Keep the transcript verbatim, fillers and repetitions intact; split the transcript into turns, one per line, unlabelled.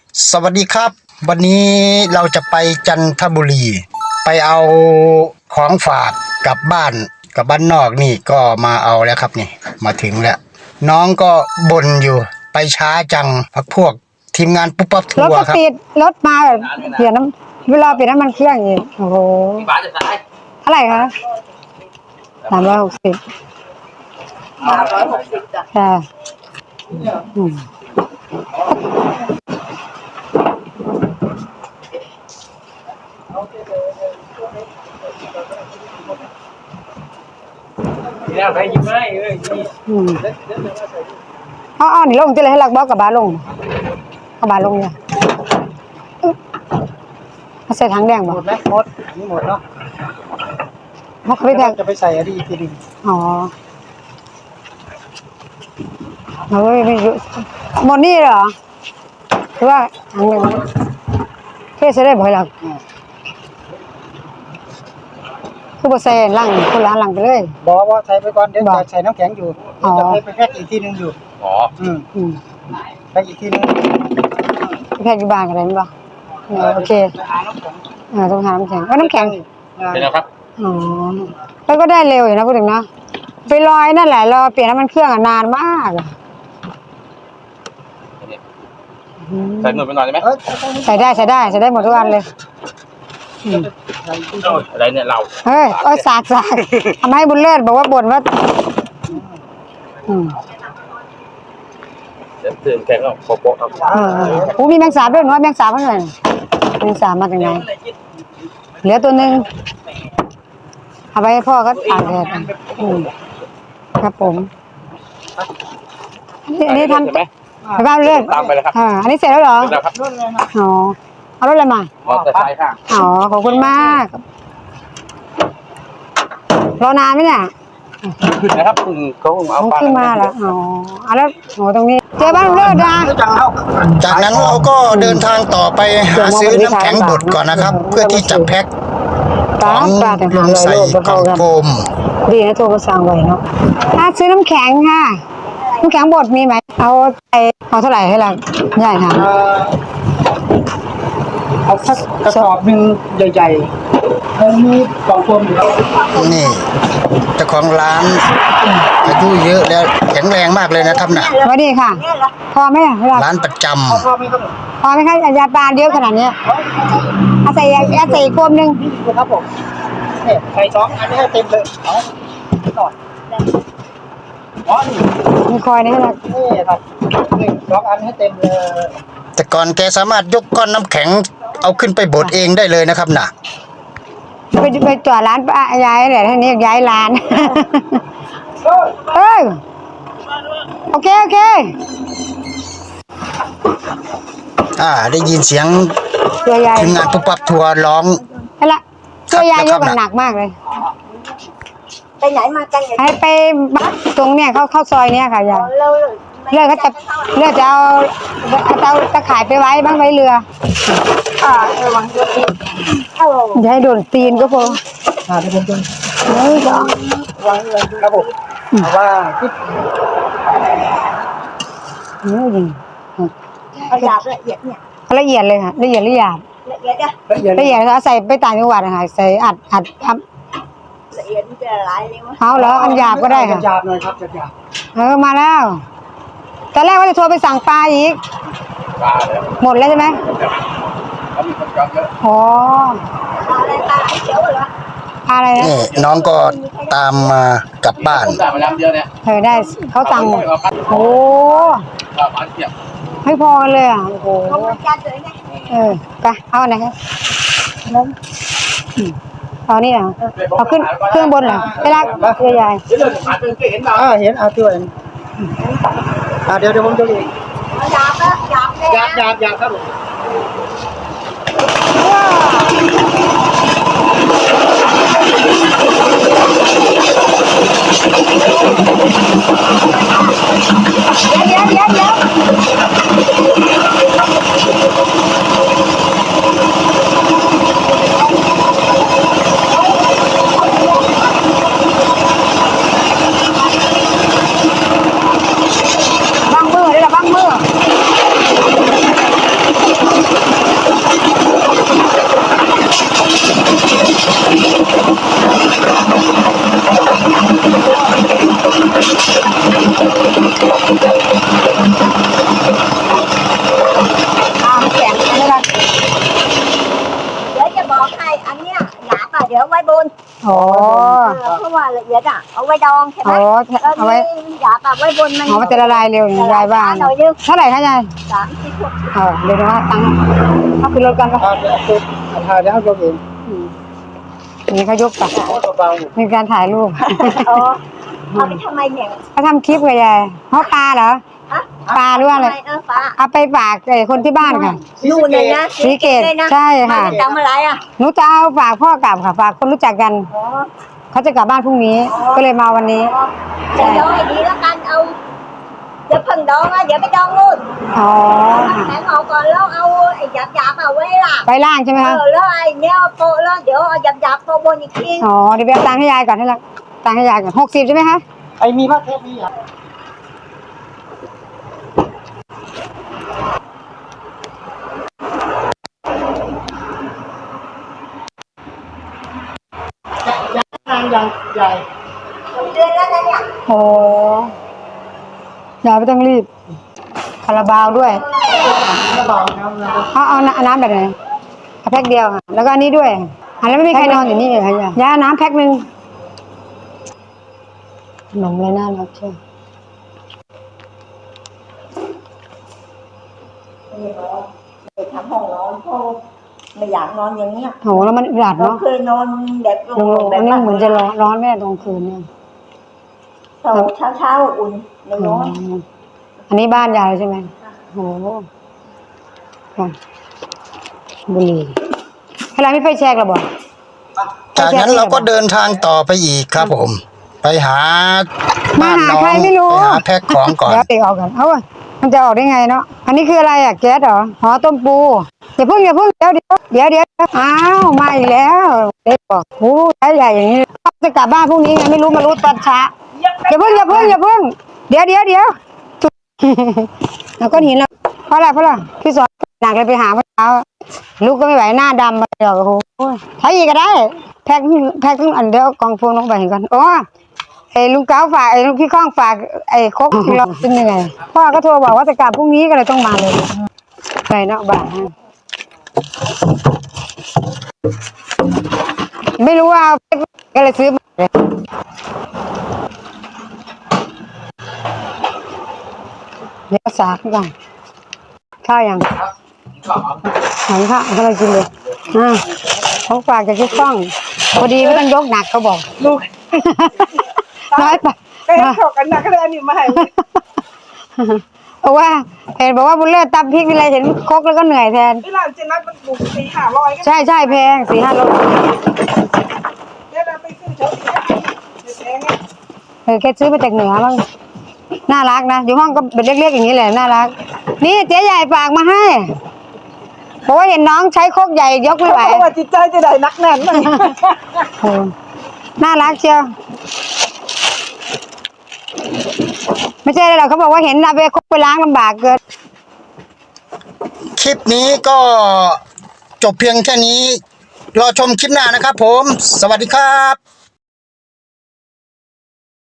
สวัสดีครับวันนี้เราจะไปจันทบุรีไปเอาของฝากกลับบ้านกับบ้านนอกนี่ก็มาเอาแล้วครับนี่มาถึงแล้วน้องก็บ่นอยู่ไปช้าจังพักพวกทีมงานปุ๊บปั๊บทั
รถ
ว
ก็
ร์ครับ
ติดรถมาเปลี่ยนน้ำเวลาเปลี่ยนน้ำมันเครื่องอีกโอ้โหเท่าไหร่คะสามร้อยหกสิบสามร้อยหกสิบจ้ะค่ะอืม
เนี่ยใครยิ้มให้เอ้ย
อืมอ๋อนี่ลงจะเลยให้ลักบอกกับบาลงกับบาลงเนี่ยมาใส่ถังแดง
หม
บ่
ดไหมหมดนี่หมดเนาะ
เขาไปแพ็ค
จะไปใส่อะไรอีกทีนึง
อ๋อเฮ้ยไม่เยอะหมดนี่เหรอคือว่าถังหนึ่งเทใส่ได้บ่อยหรอกคือบ่ใส่ลังคนละลังไปเลย
บอกว่าใส่ไปก่อนเดี๋ยวจะใส่น้ำแข็งอยู่จะไปแพ็คอีกทีนึงอยู่อ๋ออืม
อืม
แพ็คอีกทีนึง
แพ็คอยู่บ้านกันได้มั้ยบ่เออโอเคเออต้องหาน้ำแข็งว่าน้ำแข็ง
เป็นแล้วครับ
อ๋อแล้วก็ได้เร็วอยู่นะพูดถึงนะไปลอยนั่นแหละรอเปลี่ยนน้ำมันเครื่องอ่ะนานมากอ่ะ
ใส่หน่วยไปหน่อยได้ไหม
ใส่ได้ใส่ได้ใส่ได้หมดทุกอันเลย
อะไรเนี่ยเรา
เฮ้ยโอ้ยสากสากทำให้บุญเลิศบอกว่าบ่นว่าอืม
เดี๋ยวเตือนแข็งแล้วโป๊ะครับ
เออโอ้มีแมงสาบด้วยหนูว่าแมงสาบเท่าไหร่แมงสาบมาจากไหนเหลือตัวหนึ่งเอาไปให้พ่อก็ตากแดดอืมครับผมอันนี้ทำไปบ้านเรื่อย
ตามไปเลยครับ
อ่าอันนี้เสร็จแล้วเหรอ
แล้วครับ
อ๋อเอารถอะไรมา
มอเตอร์ไซค์ค่ะ
อ๋อขอบคุณมากรอนานไหมเนี่ย
ขึ้นนะครับคุณเขาเอา
เอาขึ้นมาแล้วอ๋อเอาแล้วโอ้ตรงนี้เจอบ้านเลิศนะ
จากนั้นเราก็เดินทางต่อไปหาซื้อน้ำแข็งบดก่อนนะครับ เพื่อที่จะแพ็คข
ตา
อง
ปลาแต่
ล
หาง ลอย
ใส่
โลก
กล่องโฟม
ดีนะโทรมาสั่งไว้เนาะถ้าซื้อน้ำแข็งค่ะน้ำแข็งบดมีไหมเอาไปเอาเท่าไหร่ให้เราใหญ่ถาม
เอาสักกระสอบหนึ่งใหญ่ๆแล้วมีกล่องโฟมอยู่แล้ว
นี่เจ้าของร้านอายุเยอะแล้วแข็งแรงมากเลยนะครับน่ะ
สวัสดีค่ะ พอไหมอ่ะเวลา
ร้านประจ
พอพอไหมครับ
พอไหมคะยาปลาเยอะขนาดเนี้ยเอาใส่เอาใส่กลมหนึ่ง
นี่ครับผมเนี่ยใส่สองอันนี้ให้เต็มเลยเอาต่ออ๋อนี่
มีคอยนะให้เรา
นี่ครับหนึ่งสองอันให้เต็มเลย
ำแต่ก่อนแกสามารถยกก้อนน้ำแข็งเอาขึ้นไปบดเองได้เลยนะครับน่ะ
ไปไปจอดร้านป้าย้ายเนี่ยท่านี้ย้ายร้านเอ้ยโอเคโอเค
อ่าได้ยินเสียง
ตัวใหญ่
ทีมงานปุ๊บปั๊บทัวร์ร้อง
นั่นละตัวใหญ่ยกกันหนักมากเลย
ไปไหนมากันอย่าง
ให้ไปบ้านตรงเนี่ยเข้าเข้าซอยเนี่ยค่ะยาย
เรา
เลือกเขาจะเลือกจะเอาเอาตะข่ายไปไว้บ้างไว้เรือ
อ่าระวังตัวเองเอา
อย่าให้โดนตีนก็พอ
อ่าเดี๋ยวผมดู
เฮ้ยก็
วางเลยครับผมเพราะว่าที่
เฮ้ยยิง
เอาหยาบละเอียดเนี่ย
ละเอียดเลยค่ะละเอียดละเอียด
ละเอียดอะ
ละเอียด
ละเอียดเขาใส่ไปต่างจังหวัดนะคะใส่อัดอัดอัด
ละเอียดมันจะละลายเลยวะ
เอาแล้วอันหยาบก็ได้ค่ะ
หยาบหน่อยครับหยาบ
เออมาแล้วตอนแรกว่าจะโทรไปสั่งปลาอีก
ปลาเลย
หมดแล้วใช่ไหม
เขามีคนจองเยอะ
อ๋อ
ปลาอะไรปลาไหลเขียวเหรอ
ปลาอะไรนะ
นี่น้องก็ตามมากลับบ้าน
ได้มาแล้วเดียวเนี่ย
เออได้เขาสั่งหมดโอ้
ปลาปลาเทียบ
ไม่พอกันเลยอ่ะโอ้โห
เขาบริการเลยไง
เออไปเอาอันไหนครับแล้วอืมเอานี่เหรอเอาขึ้นเครื่องบนเหรอไปลากเรือใหญ่
เดี๋ยวเดินผ่านไปเคยเห็นเราอ่าเห็นเอาตัวเองอ่าเดี๋ยวเดี๋ยวผมจะเอง
เอาหยาบละหยาบเลย
หยาบหยาบหยาบครับผม
เดี๋ยวเดี๋ยวเดี๋ยวบังมือได้หรอบังมือ
น
อ๋อ
เพราะว่าละเอียดอ่ะเอาไว้ดองใช่ไหม
อ๋อ
แล้ว
เอาไว้
นี่หยาบแบบไว้บนมัน
อ๋อมันจะละลายเร็วอย่างยายบ้าน
หน่อยนึง
เท่าไหร่คะยาย
สามสิบหกสิบ
เออเดี๋ยวนะว่าตังค์เอาขึ้นรถกันปะ
เอาเดี๋ยวคือเอาถ่ายแล้วยกเอง
อืมนี่เขายกไป
เบา
มีการถ่ายรูป
อ๋อเอาไปทำไมเนี่ย
เขาทำคลิปไงยายเพราะปลาเหรอ
ฮะ
ปลาหรือว่าอะไร
เออปลา
เอาไปฝากไอ้คนที่บ้านค่ะ
นู่นเลยนะ
สีเกต
เลยนะ
ใช่ค่ะ
มาจากอะไรอ่ะ
หนูจะเอาฝากพ่อกลับค่ะฝากคนรู้จักกัน
อ๋อ
เขาจะกลับบ้านพรุ่งนี้ ก็เลยมาวันนี้
จะดองให้ดีแล้วกันเอาเดี๋ยวเพิ่งดองนะเดี๋ยวไปดองนู่น
อ๋อ
เอาแข็งออกก่อนแล้วเอาไอ้หยาบๆเอาไว้ล่ะ
ไปล่างใช่ไหม
เอ
คะ
อแล้วไอ้เนี้ยเอาโปะแล้วเดี๋ยวเอาหยาบๆโปะบนอีกที
อ๋อเดี๋ยวไปเอาตังค์ให้ยายก่อนให้ละตังค์ให้ยายก่อนหกสิบใช่ไหมคะ
ๆไอ้มีผ้าเทปนี้อ่ะทางยังใหญ่
เดือนแล้วนะเนี่ย
โอ้ยายไม่ต้องรีบคาราบาวด้วย
กระเป๋าน้ำนะ
เอาเอาน้ำน้ำแบบไหนเอาแพ็คเดียวค่ะแล้วก็อันนี้ด้วยอ่ะแล้วไม่มีใครนอนอยู่นี่เลยค่ะยายยายเอาน้ำแพ็คหนึ่งขนมเลยน่ารักเชียว
ไปทำห้องนอนเพราะไม่อยากนอนอย่างเงี้ย
โหแล้วมันอึดอัด
เรา
เนาะ
เคยนอนแบบโล่
โรง
งๆ
ๆ
แบ
อั
บ
นนี้
บ้าน
เหมือนจะร้อนร้อนแม่ตรงคืนเนี่ย
เช้าเช้าเช้าอุ่นไม่
อื
ร้อน
มอันนี้บ้านยายใช่ไหมโหก่อนบุหรี่อะไรไม่ไฟแชกหรอบอก
จากนั้นเราก็เดินทางต่อไปอีกครับผม ไปหา
มา
บ้าน
หา
น้อง
ใครไม่รู้
ไปหาแพ็คของก่อน
เดี๋ยวเด็กออกกันเอ้ามันจะออกได้ไงเนาะอันนี้คืออะไรอ่ะแก๊สเหรอหอต้มปูอย่าเพิ่งอย่าเพิ่งเดี๋ยวเดี๋ยวเดี๋ยวเดี๋ยวอ้าวมาอีกแล้วเด็กบอกโอ้ใหญ่ใหญ่อย่างนี้จะกลับบ้านพรุ่งนี้ไงไม่รู้มารู้ตอนเช้าอย่าเพิ่งอย่าเพิ่งอย่าเพิ่งเดี๋ยวเดี๋ยวเดี๋ยว แล้วก็หินแล้วเพราะอะไรเพราะอะไรพี่สอนหนักเลยไปหาเมื่อเช้าลูกก็ไม่ไหวหน้าดำมาเดี๋ยวโอ้โหใช้อีกก็ได้ แพ็คแพ็คทั้งอันเดียวกองโฟนลงไปเห็นกันโอ้ไอ้ลุงเก้าฝากไอ้ลุงพี่ข้องฝากไอ้ครกที่เราเป็นยังไงพ่อก็โทรบอกว่าจะกลับพรุ่งนี้ก็เลยต้องมาเลยไปเนาะบ้านไม่รู้ว่าก็เลยซื้อมาเลยเดี๋ยวสากก่อนข้าวยังหันข้าวกำลังกินเลยอ่าเขาฝากจากพี่ข้องพอดีไม่ต้องยกหนักเขาบอก
ลูก
น้อยไป
ไปให้ถกกันหนักก็เลยอันนี้มาให้
เพราะว่าเห็นบอกว่าบุญเลิศตำพริกอะไรเห็นครกแล้วก็เหนื่อยแทน
ที่ร้านเจนัทมันบุกสี่ห้าร้อยก็
ใช่ใช่แพงสี่ห้าโล
เดี๋ยวเราไปซื้อเฉยๆแพงไง
เออแค่ซื้อมาจากเหนือมั้งน่ารักนะอยู่ห้องก็เป็นเล็กๆอย่างนี้แหละน่ารักนี่เจ๊ใหญ่ฝากมาให้เพราะว่าเห็นน้องใช้ครกใหญ่ยกไม่ไหว
เพราะว่าจิตใจจะได้นักแน่นมัน
โอ้น่ารักเชียวไม่ใช่หรอกเขาบอกว่าเห็นเอาไปครกไปล้างลำบากเกิน
คลิปนี้ก็จบเพียงแค่นี้ รอชมคลิปหน้านะครับผม สวัสดีครับ